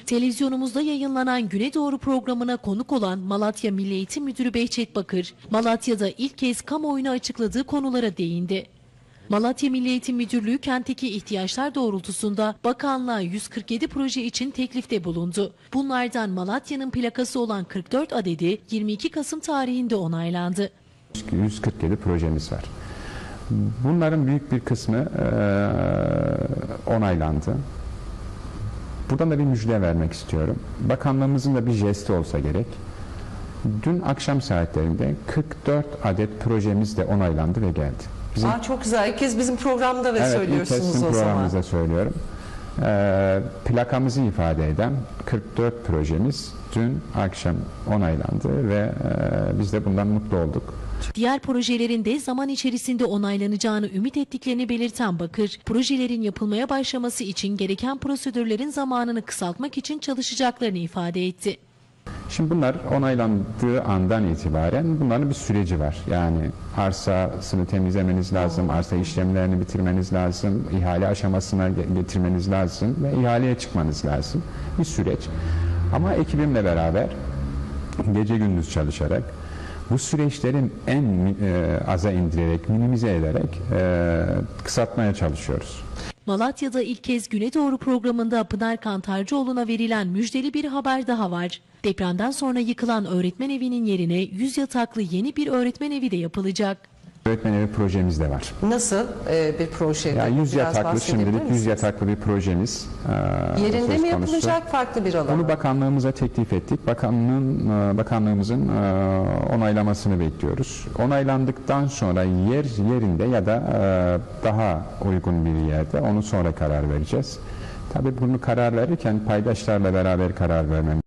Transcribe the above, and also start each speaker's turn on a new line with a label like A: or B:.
A: Televizyonumuzda yayınlanan Güne Doğru programına konuk olan Malatya Milli Eğitim Müdürü Behçet Bakır, Malatya'da ilk kez kamuoyuna açıkladığı konulara değindi. Malatya Milli Eğitim Müdürlüğü kentteki ihtiyaçlar doğrultusunda bakanlığa 147 proje için teklifte bulundu. Bunlardan Malatya'nın plakası olan 44 adedi 22 Kasım tarihinde onaylandı.
B: 147 projemiz var. Bunların büyük bir kısmı onaylandı. Buradan da bir müjde vermek istiyorum. Bakanlığımızın da bir jesti olsa gerek. Dün akşam saatlerinde 44 adet projemiz de onaylandı ve geldi.
C: Çok güzel. İlk kez bizim programda ve söylüyorsunuz
B: ilk kez sizin
C: o zaman.
B: programımızda söylüyorum. Plakamızı ifade eden 44 projemiz dün akşam onaylandı ve biz de bundan mutlu olduk.
A: Diğer projelerin de zaman içerisinde onaylanacağını ümit ettiklerini belirten Bakır, projelerin yapılmaya başlaması için gereken prosedürlerin zamanını kısaltmak için çalışacaklarını ifade etti.
B: Şimdi bunlar onaylandığı andan itibaren bunların bir süreci var. Yani arsasını temizlemeniz lazım, arsa işlemlerini bitirmeniz lazım, ihale aşamasına getirmeniz lazım ve ihaleye çıkmanız lazım. Bir süreç. Ama ekibimle beraber gece gündüz çalışarak bu süreçlerin en aza indirerek, minimize ederek kısaltmaya çalışıyoruz.
A: Malatya'da ilk kez Güne Doğru programında Pınar Kantarcıoğlu'na verilen müjdeli bir haber daha var. Depremden sonra yıkılan öğretmen evinin yerine 100 yataklı yeni bir öğretmen evi de yapılacak.
B: Öğretmen evi projemiz de var.
C: Nasıl bir proje?
B: Yani 100 yataklı, şimdilik 100 yataklı bir projemiz.
C: Yerinde mi yapılacak, farklı bir alan?
B: Bunu bakanlığımıza teklif ettik. Bakanlığımızın onaylamasını bekliyoruz. Onaylandıktan sonra yerinde ya da daha uygun bir yerde onu sonra karar vereceğiz. Tabii bunu karar verirken paydaşlarla beraber karar vermemiz